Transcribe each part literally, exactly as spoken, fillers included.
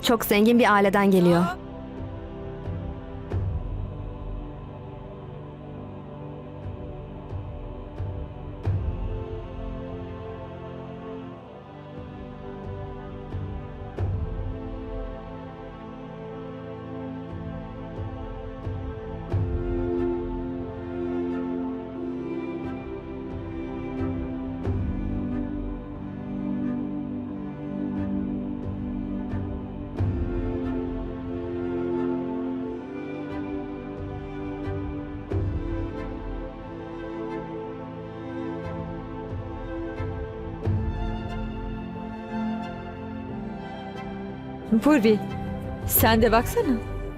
çok zengin bir aileden geliyor. Purvi, sen de baksana.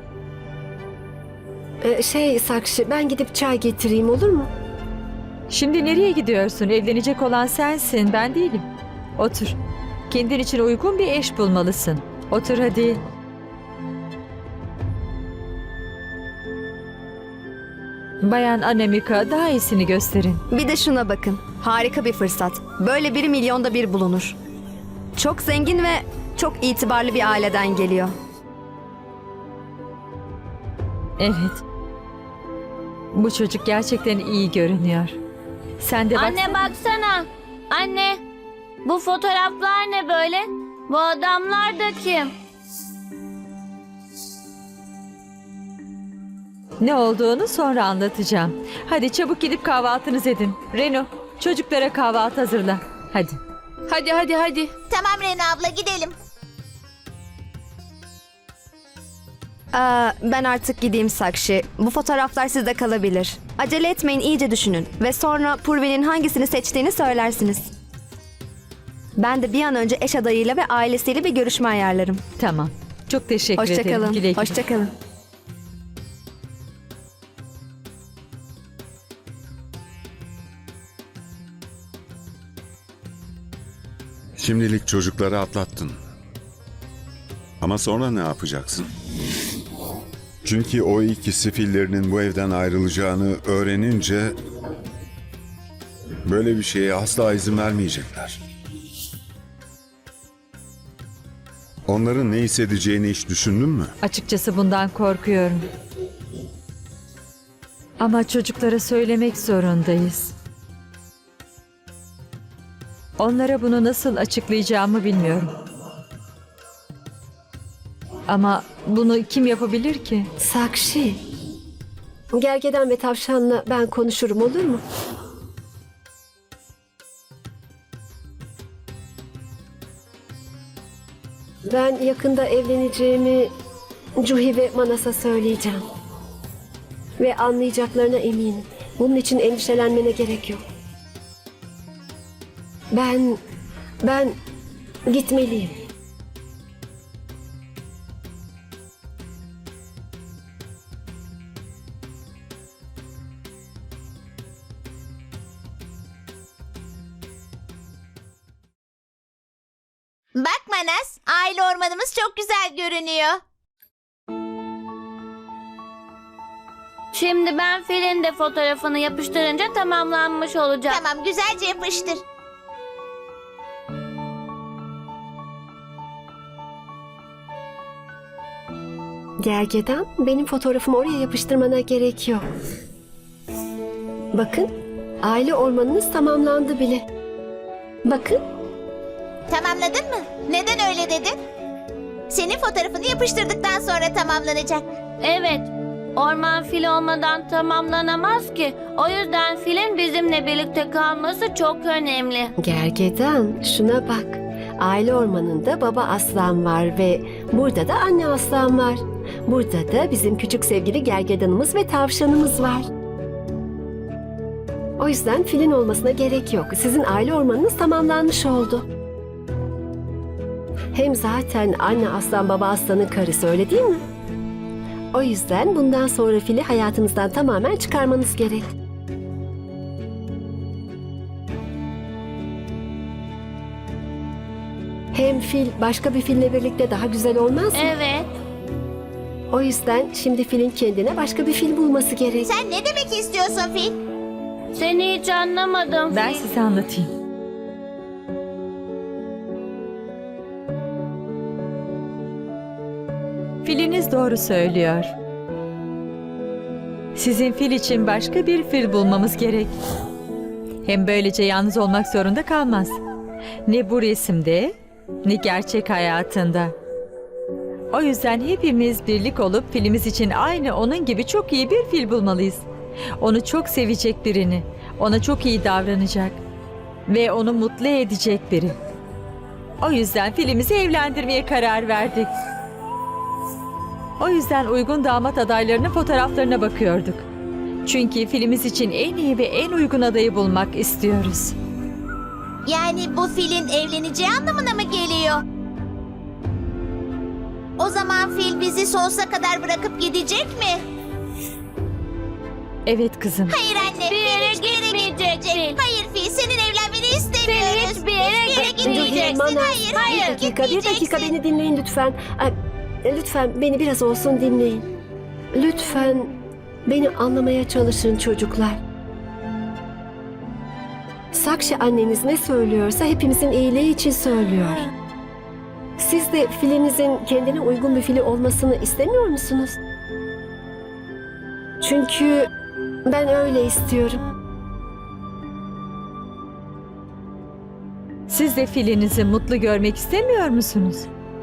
Ee, şey Sakshi, ben gidip çay getireyim, olur mu? Şimdi nereye gidiyorsun? Evlenecek olan sensin, ben değilim. Otur. Kendin için uygun bir eş bulmalısın. Otur hadi. Bayan Anamika, daha iyisini gösterin. Bir de şuna bakın. Harika bir fırsat. Böyle biri milyonda bir bulunur. Çok zengin ve çok itibarlı bir aileden geliyor. Evet. Bu çocuk gerçekten iyi görünüyor. Sen de Anne baksana. baksana. Anne, bu fotoğraflar ne böyle? Bu adamlar da kim? Ne olduğunu sonra anlatacağım. Hadi çabuk gidip kahvaltınızı edin. Reno, çocuklara kahvaltı hazırla. Hadi. Hadi hadi hadi. Tamam Rena abla gidelim. Aa, ben artık gideyim Sakshi. Bu fotoğraflar sizde kalabilir. Acele etmeyin, iyice düşünün. Ve sonra Purvi'nin hangisini seçtiğini söylersiniz. Ben de bir an önce eş adayıyla ve ailesiyle bir görüşme ayarlarım. Tamam. Çok teşekkür ederim. Hoşçakalın. Güle güle. Hoşçakalın. Şimdilik çocukları atlattın. Ama sonra ne yapacaksın? Çünkü o ikisi fillerinin bu evden ayrılacağını öğrenince böyle bir şeye asla izin vermeyecekler. Onların ne hissedeceğini hiç düşündün mü? Açıkçası bundan korkuyorum. Ama çocuklara söylemek zorundayız. Onlara bunu nasıl açıklayacağımı bilmiyorum. Ama bunu kim yapabilir ki? Sakshi, Gergedan ve Tavşan'la ben konuşurum, olur mu? Ben yakında evleneceğimi Cuhi ve Manas'a söyleyeceğim. Ve anlayacaklarına eminim. Bunun için endişelenmene gerek yok. Ben, ben gitmeliyim. Bak Manas, aile ormanımız çok güzel görünüyor. Şimdi ben filin de fotoğrafını yapıştırınca tamamlanmış olacak. Tamam, güzelce yapıştır. Gergedan, benim fotoğrafımı oraya yapıştırmana gerek yok. Bakın, aile ormanınız tamamlandı bile. Bakın, Tamamladın mı? Neden öyle dedin? Senin fotoğrafını yapıştırdıktan sonra tamamlanacak. Evet, orman fil olmadan tamamlanamaz ki. O yüzden filin bizimle birlikte kalması çok önemli. Gergedan, şuna bak. Aile ormanında baba aslan var ve burada da anne aslan var. Burada da bizim küçük sevgili gergedanımız ve tavşanımız var. O yüzden filin olmasına gerek yok. Sizin aile ormanınız tamamlanmış oldu. Hem zaten anne aslan baba aslanın karısı, öyle değil mi? O yüzden bundan sonra fili hayatınızdan tamamen çıkarmanız gerek. Hem fil başka bir fille birlikte daha güzel olmaz mı? Evet. O yüzden şimdi filin kendine başka bir fil bulması gerek. Sen ne demek istiyorsun Fil? Seni hiç anlamadım Ben fil. size anlatayım. filiniz doğru söylüyor. Sizin fil için başka bir fil bulmamız gerek. Hem böylece yalnız olmak zorunda kalmaz. Ne bu resimde, ne gerçek hayatında. O yüzden hepimiz birlik olup filimiz için aynı onun gibi çok iyi bir fil bulmalıyız. Onu çok sevecek birini, ona çok iyi davranacak ve onu mutlu edecek biri. O yüzden filimizi evlendirmeye karar verdik. O yüzden uygun damat adaylarının fotoğraflarına bakıyorduk. Çünkü filimiz için en iyi ve en uygun adayı bulmak istiyoruz. Yani bu filin evleneceği anlamına mı geliyor? O zaman fil bizi sonsuza kadar bırakıp gidecek mi? Evet kızım. Hayır anne. Bir yere hiçbir gitmeyecek fil. Hayır fil, senin evlenmeni istemiyoruz. hiçbir yere Hiçbir yere gitmeyeceksin. Manas, Hayır, hayır. bir dakika, bir dakika gitmeyeceksin. beni dinleyin lütfen. Ay, lütfen beni biraz olsun dinleyin. Lütfen beni anlamaya çalışın çocuklar. Sakshi anneniz ne söylüyorsa hepimizin iyiliği için söylüyor. Siz de filinizin kendine uygun bir fili olmasını istemiyor musunuz? Çünkü ben öyle istiyorum. Siz de filinizi mutlu görmek istemiyor musunuz?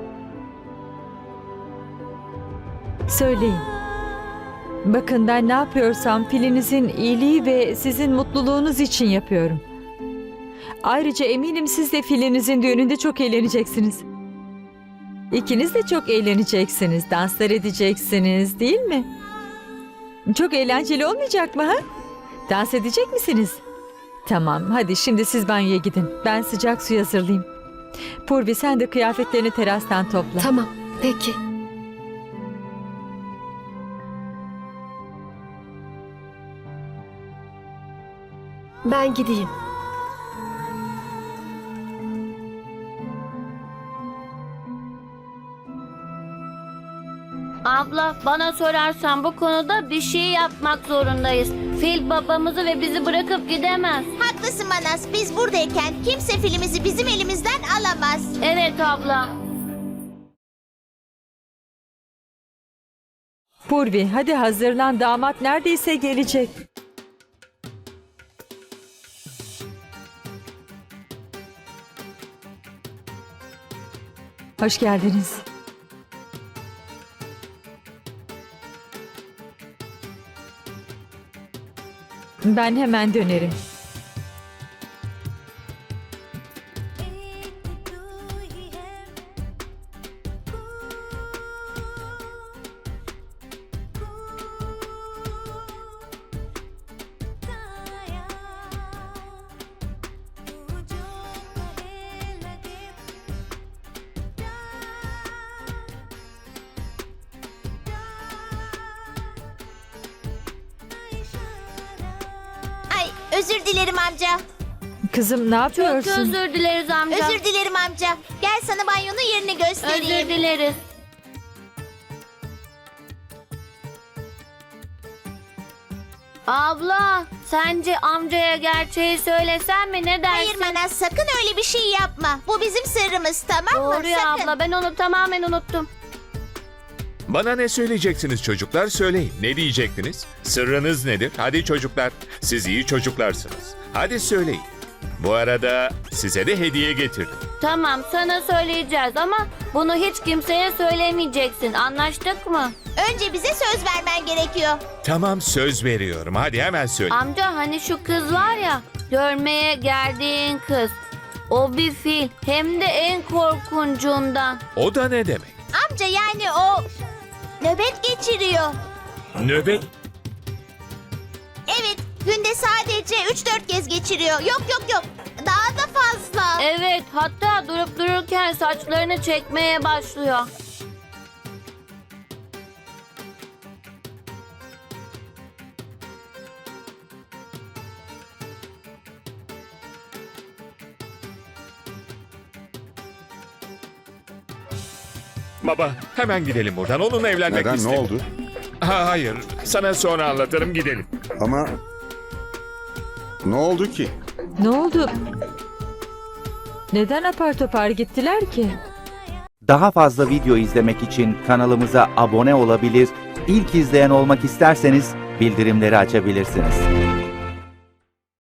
Söyleyin. Bakın ben ne yapıyorsam filinizin iyiliği ve sizin mutluluğunuz için yapıyorum. Ayrıca eminim siz de filinizin düğününde çok eğleneceksiniz. İkiniz de çok eğleneceksiniz, danslar edeceksiniz, değil mi? Çok eğlenceli olmayacak mı ha? Dans edecek misiniz? Tamam, hadi şimdi siz banyoya gidin. Ben sıcak su hazırlayayım. Purvi sen de kıyafetlerini terastan topla. Tamam, peki. Ben gideyim. Abla, bana sorarsan bu konuda bir şey yapmak zorundayız. Fil babamızı ve bizi bırakıp gidemez. Haklısın Manas. Biz buradayken kimse filimizi bizim elimizden alamaz. Evet abla. Purvi hadi hazırlan, damat neredeyse gelecek. Hoş geldiniz. Ben hemen dönerim. Ay, özür dilerim amca. Kızım ne Çok yapıyorsun? özür dileriz amca. Özür dilerim amca. Gel sana banyonun yerini göstereyim. Özür dileriz. Abla, sence amcaya gerçeği söylesem mi, ne dersin? Hayır Manas, sakın öyle bir şey yapma. Bu bizim sırrımız, tamam mı? Doğru ya Sakın. abla, ben onu tamamen unuttum. Bana ne söyleyeceksiniz çocuklar, söyleyin. Ne diyecektiniz? Sırrınız nedir? Hadi çocuklar, siz iyi çocuklarsınız. Hadi söyleyin. Bu arada size de hediye getirdim. Tamam, sana söyleyeceğiz ama bunu hiç kimseye söylemeyeceksin. Anlaştık mı? Önce bize söz vermen gerekiyor. Tamam, söz veriyorum. Hadi hemen söyle. Amca, hani şu kız var ya, görmeye geldiğin kız. O bir fil, hem de en korkuncundan. O da ne demek? Amca yani o nöbet geçiriyor. Nöbet. Evet, günde sadece üç dört kez geçiriyor. Yok yok yok, daha da fazla. Evet, hatta durup dururken saçlarını çekmeye başlıyor. Baba, hemen gidelim buradan. Onunla evlenmek Neden, ne istiyorum. oldu? Ha, hayır, sana sonra anlatırım, gidelim. Ama ne oldu ki? Ne oldu? Neden apar topar gittiler ki? Daha fazla video izlemek için kanalımıza abone olabilir, ilk izleyen olmak isterseniz bildirimleri açabilirsiniz.